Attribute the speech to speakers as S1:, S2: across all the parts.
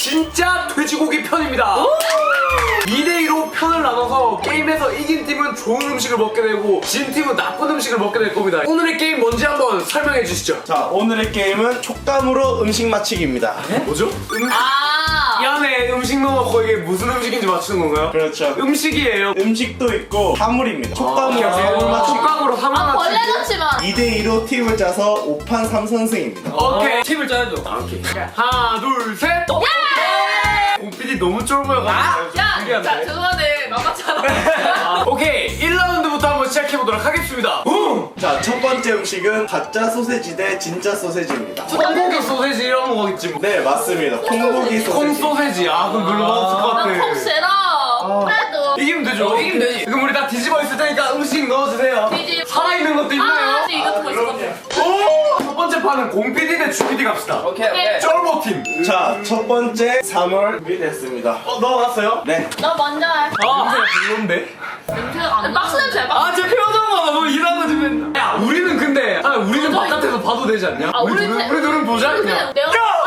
S1: 진짜 돼지고기 편입니다. 2대2로 편을 나눠서 게임에서 이긴 팀은 좋은 음식을 먹게 되고 진 팀은 나쁜 음식을 먹게 될 겁니다. 오늘의 게임 뭔지 한번 설명해 주시죠.
S2: 자, 오늘의 게임은 촉감으로 음식 맞히기입니다.
S1: 뭐죠? 이 안에 음식 넣어놓고 이게 무슨 음식인지 맞추는 건가요?
S2: 그렇죠.
S1: 음식이에요.
S2: 음식도 있고 사물입니다. 촉감으로
S1: 오케이.
S2: 사물 맞추기.
S1: 촉각으로 사물
S3: 벌레
S1: 맞추기.
S3: 넣지마.
S2: 2대2로 팀을 짜서 5판 3선승입니다.
S1: 오케이. 팀을 짜야죠. 오케이. 하나, 둘, 셋. 공PD 너무 쫄보여가지고.
S3: 야, 자, 죄송한데 만만찮아.
S1: 오케이. 1라운드부터 한번 시작해보도록 하겠습니다.
S2: 자, 첫 번째 음식은 가짜 소세지 대 진짜 소세지입니다.
S1: 콩고기 소세지 이런 거겠지 뭐.
S2: 네, 맞습니다. 콩고기 소세지.
S1: 콩 소세지. 아, 그럼 별로 맛없을 것 같아.
S3: 나콩 싫어. 그래도.
S1: 이기면 되죠? 이기면 되지. 그럼 우리 다 뒤집어 있을 테니까 음식 넣어주세요.
S3: 뒤집어.
S1: 살아있는 것도 있나요?
S3: 아, 이거 듣고 있을 것 같아.
S1: 오! 첫 번째 판은 공PD 대 주PD 갑시다.
S3: 오케이.
S1: 쫄보 팀.
S2: 자, 첫 번째 3월 준비됐습니다.
S1: 넣어놨어요?
S2: 네.
S3: 너 먼저 해.
S1: 냄새가 별론데?
S3: 냄새가 안 나. 박스 냄새 봐.
S1: 아, 제 표정 봐. 너 일하는 집에. 야, 우리는 근데. 아, 우리는 바깥에서 봐도 되지 않냐?
S3: 아,
S1: 우리 둘은 보자, 그냥.
S3: 내가.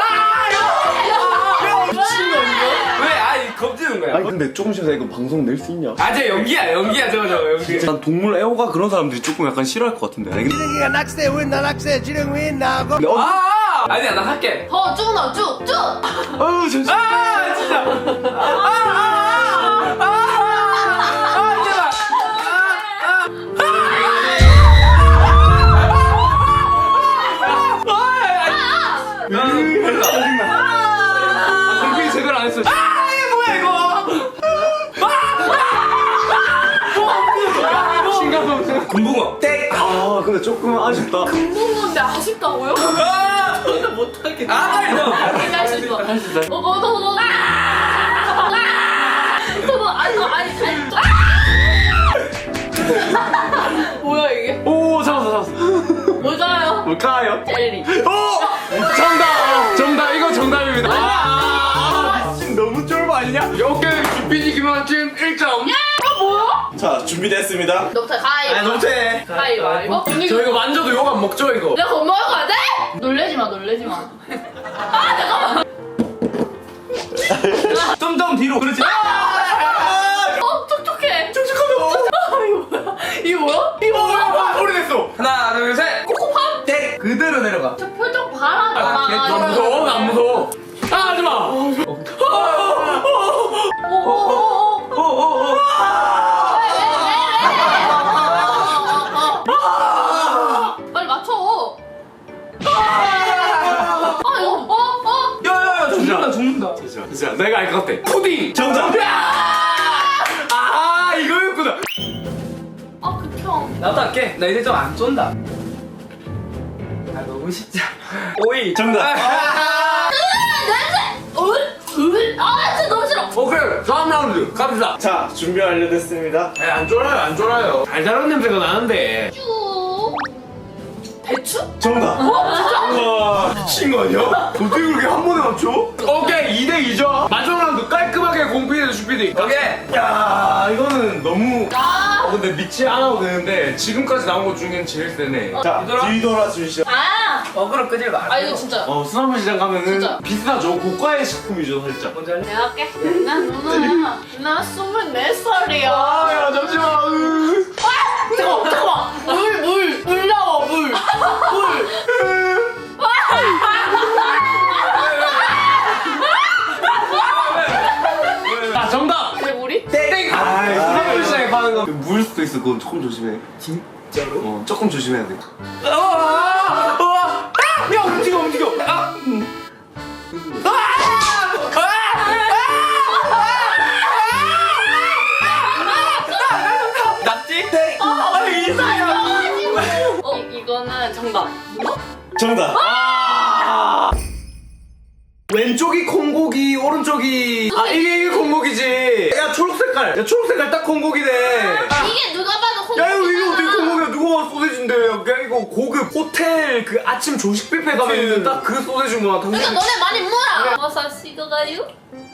S1: 미친 거 이거? 왜? 아니, 겁지는 거야.
S2: 근데 조금씩 이거 방송 낼 수 있냐?
S1: 아, 저 연기야, 저거, 연기.
S4: 난 동물 애호가 그런 사람들이 조금 약간 싫어할 것 같은데. 아니, 근데
S5: 지렁이가 낙새 win나 낙새 지렁 win나고
S1: 아니야, 나 할게.
S3: 쭉 넣어, 쭉.
S1: 아우, 진짜. 아, 진짜. 제발. 공필이 제대로 안 했어. 이게 뭐야, 이거? 신가서
S4: 금붕어.
S1: 땡.
S4: 아, 근데 조금 아쉽다.
S3: 금붕어인데 아쉽다고요?
S1: 저는 못하겠다.
S3: 할 수 있어. 할 수 있어. 너. 아니. 뭐야 이게?
S1: 오, 잡았어.
S3: 뭘까요?
S1: 뭘까요?
S3: 젤리.
S1: 오! 정답! 이거 정답입니다. 너무 쫄보 아니냐? 오케이, 주PD 김학진 1점.
S2: 자, 준비됐습니다.
S3: 너부터 가위.
S1: 못해.
S3: 가위바위보.
S1: 저 이거 만져도 욕 안 먹죠, 이거?
S3: 내가 겁먹을 거 같아? 놀래지 마. 아, 잠깐만.
S1: 좀 뒤로. 그렇지.
S3: 촉촉해.
S1: 촉촉하다.
S3: 이게 뭐야?
S1: 오래됐어. 하나, 둘, 셋.
S3: 코코팜?
S1: 땡. 그대로 내려가.
S3: 저 표정 봐라.
S1: 안 무서워, 안 무서워. 하지 마.
S3: 빨리 맞춰. 이거
S1: 야야야, 죽는다. 진짜 내가 알 것 같아. 푸딩.
S2: 정답!
S1: 아, 이거였구나.
S3: 극혐.
S1: 나도 할게. 나 이제 좀 안 쫀다. 아, 너무 쉽지. 오이.
S2: 정답!
S3: 냄새. 진짜 너무 싫어.
S1: 오케이, 다음 라운드 갑시다.
S2: 자, 준비 완료됐습니다.
S1: 안 쫄아요. 달달한 냄새가 나는데.
S3: 배추?
S2: 정답!
S1: 우와, 미친 거 아니야? 어떻게 그렇게 한 번에 맞춰? 오케이, 2대2죠. 마지막 라운드 깔끔하게 공PD 대 주PD. 오케이. 야, 이거는 너무. 근데 믿지 않아도 되는데 지금까지 나온 것 중엔 제일 세네.
S2: 자, 뒤돌아 주시죠.
S1: 그럼 끄질 마.
S3: 이거 진짜.
S1: 수산물 시장 가면은
S3: 진짜.
S1: 비슷하죠. 고가의 식품이죠, 살짝. 먼저 할래?
S3: 내가 할게. 나 24살이야.
S1: 야, 잠시만.
S3: 잠깐만. 물 나와, 물.
S1: 정답.
S3: 그래, 물이?
S1: 땡. 수산물 시장에 파는 거.
S4: 물 수도 있어. 그건 조금 조심해.
S1: 진짜로?
S4: 조금 조심해야 돼.
S1: 야, 움직여. 낙지? 땡.
S3: 이거는 정답.
S2: 정답!
S1: 왼쪽이 콩고기, 오른쪽이 이게 콩고기지. 야, 초록색깔 딱 콩고기네.
S3: 이게 누가 봐도 콩.
S1: 야, 이거 어떻게 콩고기야? 누가 봐도 소세지인데. 야, 이거 고급 호텔 그 아침 조식 뷔페 가면 있는 딱 그 소세지구나.
S3: 그러니까 너네 많이 물어. 버섯 식어가요?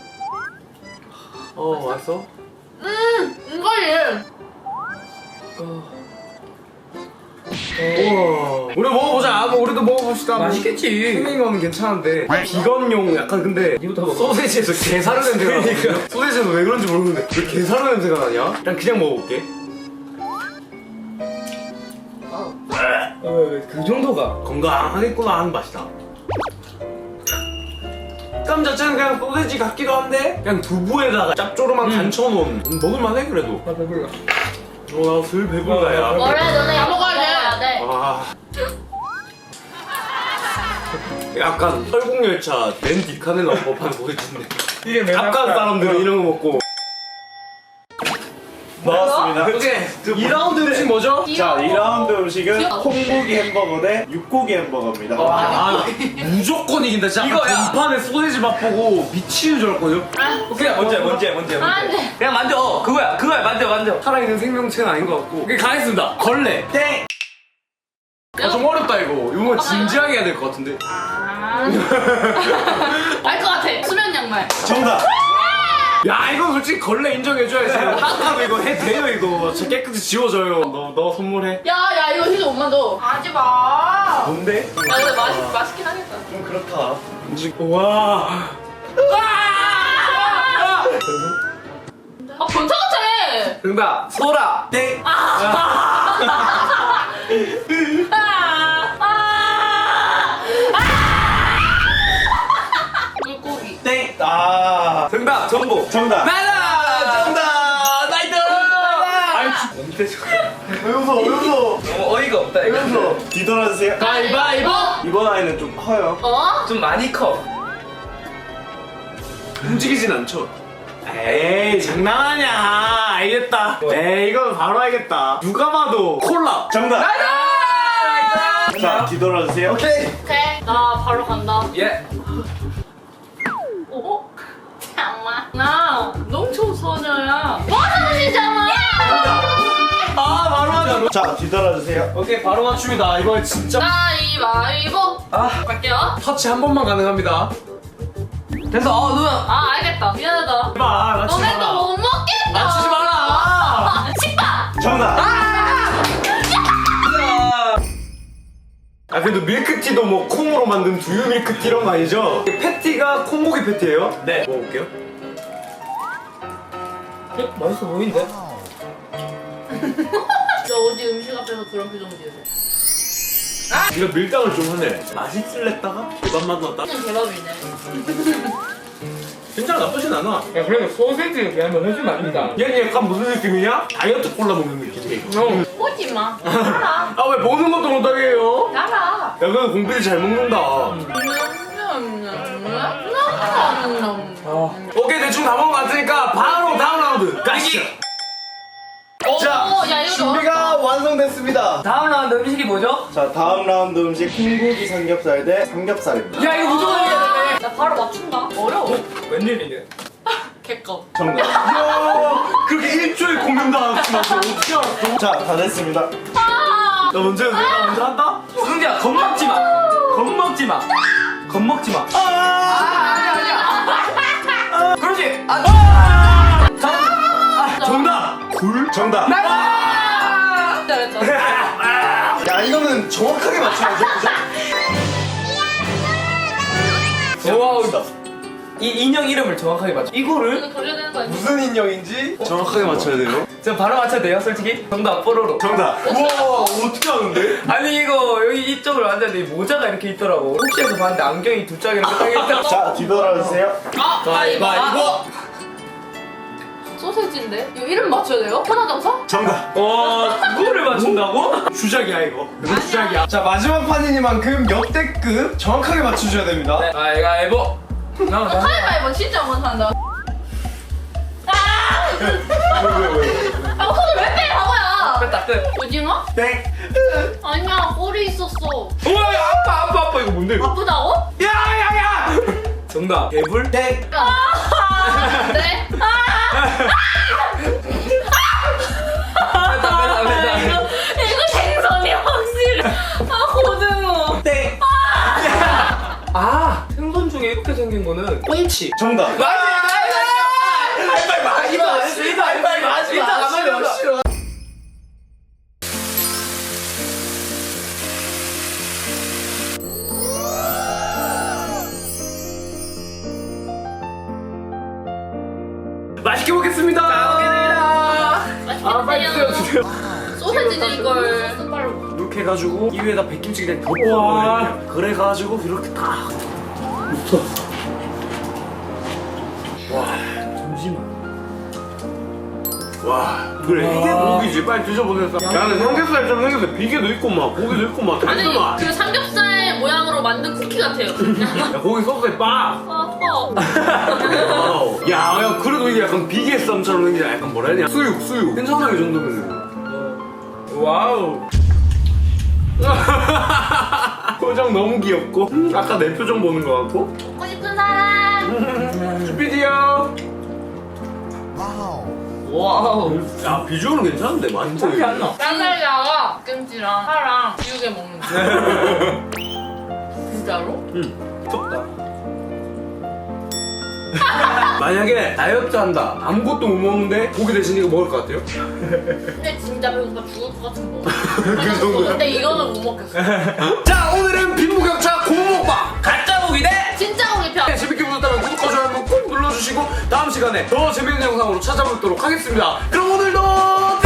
S1: 맛있어?
S3: 이거지.
S1: 우와. 우리 먹어보자. 우리도 먹어봅시다.
S6: 맛있겠지.
S1: 생긴 거는 괜찮은데 비건용 약간 근데 소세지에서 게사료 냄새가 나거든요. 소세지는 왜 그런지 모르는데 왜 게사료 냄새가 나냐? 그냥 먹어볼게.
S6: 그 정도가.
S1: 건강하겠구나 하는 맛이다. 식감 자체는 그냥 소세지 같기도 한데 그냥 두부에다가 짭조름한 간쳐놓은 먹을만해 그래도.
S6: 나 배불러.
S1: 나 슬 배불러야.
S3: 뭐래 너네 약 먹어야 돼.
S1: 아. 약간 설국열차 맨 뒷칸에 나온 법한 소세지인데
S6: 이게 맨
S1: 앞간 사람들은 이런 거 먹고.
S2: 나왔습니다.
S1: 오케이 2라운드 음식 뭐죠?
S2: 자, 2라운드 음식은
S3: 귀여워.
S2: 콩고기 햄버거 대 육고기 햄버거입니다.
S1: 아, 무조건 이긴다 진짜.
S6: 이거야.
S1: 전판에 소세지 맛보고 미치는 줄 알았거든요.
S6: 오케이 먼저.
S3: 안 돼.
S6: 그냥 만져. 그거야 만져.
S1: 살아있는 생명체는 아닌 것 같고. 오케이 가겠습니다. 걸레.
S2: 땡!
S1: 좀 어렵다 이거. 이거 진지하게 해야 될 것 같은데.
S3: 알 것 같아. 수면 양말.
S2: 정답!
S1: 야 이거 솔직히 걸레 인정해줘야지. 따뜻하고 이거 해 돼요 이거. 진짜 깨끗이 지워져요. 너 선물해.
S3: 야 이거 진짜 못 만져. 하지 마.
S1: 뭔데?
S3: 야 근데 맛있긴 하겠다.
S2: 좀 그렇다.
S1: 와.
S3: 아 변태 같아.
S6: 정답. 소라.
S2: 땡!
S3: 물고기.
S2: 땡! 아.
S6: 정답. 전복.
S2: 정답!
S6: 나이다.
S2: 정답!
S6: 나이트.
S2: 왜 웃어? 왜 웃어?
S6: 너무 어이가 없다
S2: 왜
S6: 이거.
S2: 웃어? 뒤돌아주세요.
S3: 가위바위보.
S2: 이번 아이는 좀 커요.
S3: 어?
S6: 좀 많이 커.
S1: 움직이진 않죠. 에이 장난하냐. 알겠다. 에이 이건 바로 알겠다. 누가 봐도 콜라.
S2: 정답! 자, 뒤돌아주세요. 오케이!
S3: 오케이. 나 바로 간다.
S6: 예.
S3: 어? 잠깐만. 나 농촌 소녀야. 맞아주시잖아.
S1: 아 바로 하자.
S2: 자, 뒤돌아주세요.
S1: 오케이 바로 맞춤이다. 이거 진짜
S3: 가위바위보.
S6: 아.
S3: 갈게요.
S1: 터치 한 번만 가능합니다.
S6: 됐어. 누나.
S3: 아 알겠다. 미안하다.
S1: 해봐 맞추지
S3: 너네
S1: 마라.
S3: 또 못 먹겠다.
S1: 맞추지 마라.
S3: 식빵.
S2: 정답!
S1: 아 그래도 밀크티도 뭐 콩으로 만든 두유 밀크티 이런 거 아니죠? 패티가 콩고기 패티예요?
S2: 네.
S1: 먹어볼게요.
S6: 맛있어 보이는데?
S3: 너 어디 음식 앞에서 그런 표정 지으세요?
S1: 이거 밀당을 좀 하네. 맛있을랬다가 대박만 넣었다.
S3: 대박이네.
S1: 진짜 나쁘진 않아.
S6: 야 그래도 소세지 그냥 해주면 안 된다.
S1: 얘는 약간 무슨 느낌이냐? 다이어트 콜라 먹는 느낌이야.
S3: 오지 마. 알아.
S1: 아 왜 보는 것도 못하게 해요?
S3: 알아.
S1: 야 그래도 공필이 잘 먹는다. 오케이 대충 다 먹은 것 같으니까 바로 다음 라운드 가시죠. 자,
S3: 야 이거
S2: 준비가 완성됐습니다.
S6: 다음 라운드 음식이 뭐죠?
S2: 자, 다음 라운드 음식 콩고기 삼겹살 대 삼겹살입니다.
S6: 야 이거 무조건 해야 돼.
S3: 나 바로 맞춘다. 어려워.
S6: 웬일이냐?
S3: 개껌.
S2: 정답.
S1: 야 그렇게 일주일 고민당하지 마서 어떻게 알았어?
S2: 자, 다 됐습니다.
S3: 아.
S1: 나 먼저 내가 먼저 한다?
S6: 승재야 겁먹지 마. 겁먹지 마. 겁먹지 마. 아니야. 그렇지.
S1: 정답! 굴?
S2: 정답.
S3: 잘했다.
S2: 야, 이거는 정확하게 맞춰야죠. 그죠?
S6: 와우. 이 인형 이름을 정확하게 맞춰. 이거를
S3: 이거 돌려야 되는 거 아니야?
S2: 무슨 인형인지
S1: 정확하게 맞춰야 돼요?
S6: 저 바로 맞춰도 돼요, 솔직히? 정답 뽀로로.
S2: 정답.
S1: 우와 어떻게 하는데?
S6: 아니 이거 여기 이쪽으로 앉았는데 이 모자가 이렇게 있더라고. 혹시해서 봤는데 안경이 두 짝이 이렇게 딱 있더라고.
S2: 자, 뒤돌아주세요.
S3: 가위바위보. 소세지인데? 이거 이름 맞춰야 돼요? 천하장사?
S2: 정답.
S6: 와 그거를 맞춘다고?
S1: 주작이야 이거. 이거 주작이야. 자 마지막 판이니만큼 역대급 정확하게 맞춰줘야 됩니다.
S6: 네. 가위바위보. 나
S3: 가위바위보 진짜 못한다.
S1: 왜?
S3: 아, 손을 왜 빼, 바보야!
S6: 끝다 끝.
S3: 오징어?
S2: 땡.
S3: 아니야, 꼬리 있었어.
S6: 우와 아파 이거 뭔데 이거?
S3: 아프다고?
S6: 야야야. 정답 개불?
S2: 땡.
S3: 네? 이거 생선이 확실해. 아, 고등어.
S2: 땡.
S6: 아 생선 중에 이렇게 생긴 거는 꽁치.
S2: 정답.
S1: 먹겠습니다.
S3: 맛있게
S1: 빨리
S3: 드세요.
S1: 드세요.
S3: 소세지는 이걸 숟갈로.
S1: 이렇게 해가지고 이 위에다 백김치 그냥 덮어버려. 그래가지고 이렇게 딱 붙어. 와, 잠시만. 와, 그래 이게 고기지. 빨리 드셔보세요. 야, 근데 삼겹살처럼 생겼어. 비계도 있고 막 고기도 있고 막
S3: 아니
S1: 달콤한.
S3: 그 삼겹살 모양으로 만든 쿠키 같아요.
S1: 야, 고기 소스에 빡. 와우. 야, 그래도 이게 약간 비계 쌈처럼 생기지. 약간 뭐라 해야 되냐. 수육. 괜찮아, 이 정도면. 와우. 표정 너무 귀엽고. 아까 내 표정 보는 거 같고.
S3: 먹고 싶은 사람.
S1: 슈피디요.
S6: 와우.
S1: 야, 비주얼은 괜찮은데 맛있어.
S3: 쌍살이랑 김치랑 파랑 비우게 먹는 거. 진짜로?
S1: 덥다. 만약에 다이어트 한다. 아무것도 못 먹는데 고기 대신 이거 먹을 것 같아요?
S3: 근데 진짜 배고파 죽을 것 같은 거.
S1: 그 정도야?
S3: 근데 이거는 못 먹겠어.
S1: 자, 오늘은 빈부격차 고먹방 가짜 고기 대
S3: 진짜 고기 편.
S1: 재밌게 보셨다면 구독과 좋아요 한번 꼭 눌러주시고 다음 시간에 더 재밌는 영상으로 찾아뵙도록 하겠습니다. 그럼 오늘도